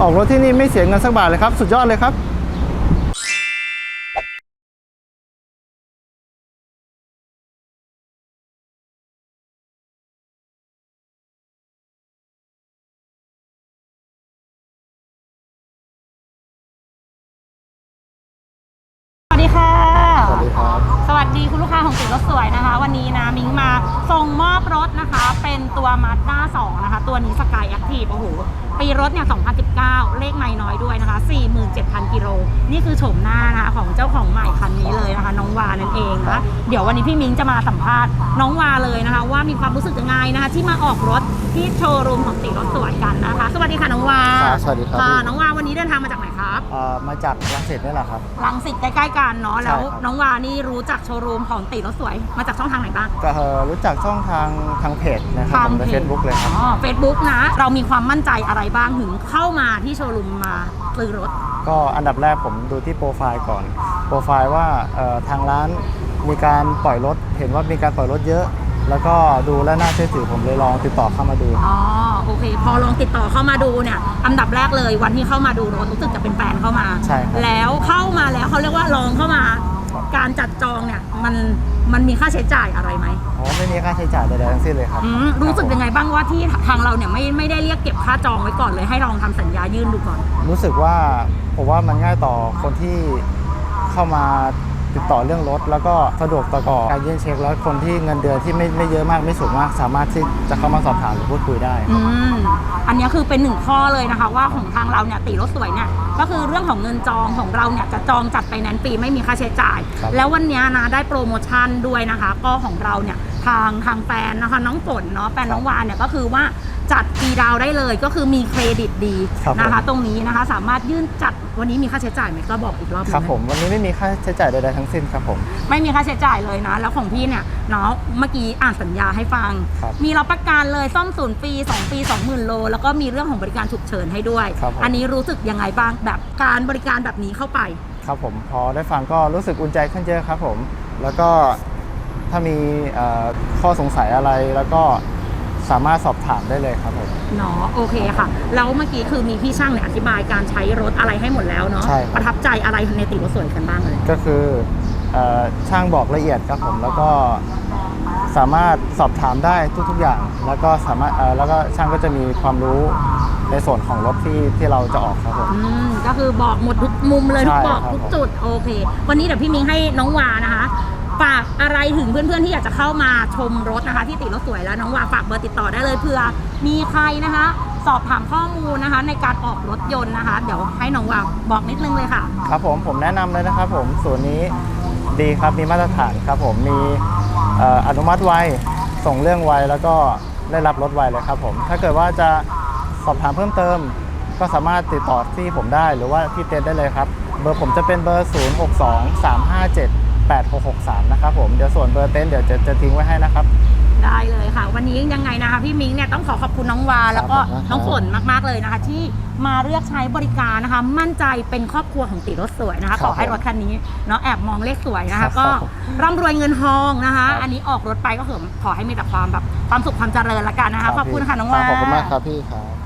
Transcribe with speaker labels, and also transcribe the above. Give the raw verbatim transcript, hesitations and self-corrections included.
Speaker 1: ออกรถที่นี่ไม่เสียเงินสักบาทเลยครับสุดยอดเลยครับ
Speaker 2: สวัสดีค่ะ
Speaker 1: สวัสดีครับ
Speaker 2: สวัสดีคุณลูกค้าของติดรถสวยนะคะวันนี้นะมิ้งมาส่งมอบรถนะคะเป็นตัว Mazda สองนะคะตัวนี้ Sky Active โอ้โหปีรถเนี่ยสองพันสิบเก้าเลขไม่น้อยด้วยนะคะ สี่หมื่นเจ็ดพัน กิโลนี่คือโฉมหน้านะคะของเจ้าของใหม่คันนี้เลยนะคะน้องวานั่นเองนะเดี๋ยววันนี้พี่มิ้งจะมาสัมภาษณ์น้องวาเลยนะคะว่ามีความรู้สึกยังไงนะคะที่มาออกรถที่โชว์รูมของติดรถสวยกันนะคะสวัสดีค่ะน้องวา
Speaker 1: สวัสดีครับ
Speaker 2: ค่ะน้องวาวันนี้เดินทางมาจากไหนครับ
Speaker 1: มาจากรังสิตนี่แหละครับ
Speaker 2: รังสิตใกล้ๆกันเนาะแล้วน้องวานี่รู้จักโชว์รูมของติดรถสวยมาจากช่องทางไหนบ้าง
Speaker 1: ก็รู้จักช่องทางทางเพจนะครับในเฟซบุ๊กเลยครับ
Speaker 2: อ๋อเฟซบุ๊กนะเรามีความมั่นใจอะไรบ้างถึงเข้ามาที่โชว์รูมมาซื้อรถ
Speaker 1: ก็อันดับแรกผมดูที่โปรไฟล์ก่อนโปรไฟล์ว่าทางร้านมีการปล่อยรถเห็นว่ามีการปล่อยรถเยอะแล้วก็ดูและน่าเชื่อถือผมเลยลองติดต่อเข้ามาดู
Speaker 2: อ๋อโอเคพอลองติดต่อเข้ามาดูเนี่ยอันดับแรกเลยวันที่เข้ามาดูรถรู้สึกจะเป็นแฟนเข้ามา
Speaker 1: ใช่ครับ
Speaker 2: แล้วเข้ามาแล้วเขาเรียกว่าลองเข้ามาการจัดจองเนี่ยมันมันมีค่าใช้จ่ายอะไรไหม
Speaker 1: อ๋อไม่มีค่าใช้จ่ายใดๆทั้งสิ้นเลยครับ
Speaker 2: รู้สึกยังไงบ้างว่าที่ทางเราเนี่ยไม่ไม่ได้เรียกเก็บค่าจองไว้ก่อนเลยให้ลองทำสัญญายื่นดูก่อน
Speaker 1: รู้สึกว่าผมว่ามันง่ายต่อคนที่เข้ามาติดต่อเรื่องรถแล้วก็สะดวกต่อการยื่นเช็คแล้วคนที่เงินเดือนที่ไม่ไม่เยอะมากไม่สูงมากสามารถที่จะเข้ามาสอบถามหรือพูดคุยได้
Speaker 2: อืมอันนี้คือเป็นหนึ่งข้อเลยนะคะว่าของทางเราเนี่ยติรถสวยเนี่ยก็คือเรื่องของเงินจองของเราเนี่ยจะจองจัดไปแนนซ์ฟรีไม่มีค่าใช้จ่ายแล้ววันนี้นะได้โปรโมชั่นด้วยนะคะก็ของเราเนี่ยทางทางแฟนนะคะน้องฝนเนาะแฟนน้องวานเนี่ยก็คือว่าจัดฟรีดาวได้เลยก็คือมีเครดิตดีนะคะตรงนี้นะคะสามารถยื่นจัดวันนี้มีค่าใช้จ่ายไหมก็บอกอีกรอบ
Speaker 1: ครับผมวันนี้ไม่มีค่าใช้จ่ายใดๆทั้งสิ้นครับผม
Speaker 2: ไม่มีค่าใช้จ่ายเลยนะแล้วของพี่เนี่ยเนาะเมื่อกี้อ่านสัญญาให้ฟังมีรับประกันเลยซ่อมศูนย์ปีสองปี สองหมื่น โลแล้วก็มีเรื่องของบริการฉุกเฉินให้ด้วยอันนี้รู้สึกยังไงบ้างแบบการบริการแบบนี้เข้าไป
Speaker 1: ครับผมพอได้ฟังก็รู้สึกอุ่นใจขึ้นเยอะครับผมแล้วก็ถ้ามีข้อสงสัยอะไรแล้วก็สามารถสอบถามได้เลยครับผม
Speaker 2: เนาะโอเคค่ะแล้วเมื่อกี้คือมีพี่ช่างเนี่ยอธิบายการใช้รถอะไรให้หมดแล้วเนาะประทับใจอะไรในติรถสวยกันบ้างเลย
Speaker 1: ก็คือช่างบอกละเอียดครับผมแล้วก็สามารถสอบถามได้ทุกๆอย่างแล้วก็สามารถแล้วก็ช่างก็จะมีความรู้ในส่วนของรถที่ที่เราจะออกครับผม
Speaker 2: อืมก็คือบอกหมดทุกมุมเลยทุกบอกทุกจุดโอเควันนี้เดี๋ยวพี่มิ้งให้น้องวานะคะฝากอะไรถึงเพื่อนๆที่อยากจะเข้ามาชมรถนะคะที่ติดรถสวยแล้วน้องวาฝากเบอร์ติดต่อได้เลยเผื่อมีใครนะคะสอบถามข้อมูลนะคะในการออกรถยนต์นะคะเดี๋ยวให้น้องวาบอกนิดนึงเลยค่ะ
Speaker 1: ครับผมผมแนะนำเลยนะครับผมส่วนนี้ดีครับมีมาตรฐานครับผมมีอนุมัติไวส่งเรื่องไวแล้วก็ได้รับรถไวเลยครับผมถ้าเกิดว่าจะสอบถามเพิ่มเติมก็สามารถติดต่อที่ผมได้หรือว่าที่เต็นท์ได้เลยครับเบอร์ผมจะเป็นเบอร์ศูนย์ หก สอง สาม ห้า เจ็ด แปด หก หก สามนะครับผมเดี๋ยวส่วนเบอร์เต็นท์เดี๋ยวจะจะทิ้งไว้ให้นะครับ
Speaker 2: ได้เลยค่ะวันนี้ยังไงนะคะพี่มิ้งเนี่ยต้องขอขอบคุณน้องวาแล้วก็น้องฝนมากๆเลยนะคะที่มาเลือกใช้บริการนะคะมั่นใจเป็นครอบครัวของติรถสวยนะคะขอให้รถคันนี้เนาะแอบมองเลขสวยนะคะก็ร่ำรวยเงินทองนะคะอันนี้ออกรถไปก็ขอให้มีแต่ความแบบความสุขความเจริญละกันนะคะขอบคุณค่ะน้องวา
Speaker 1: ขอบคุณมากครับพี่ครับ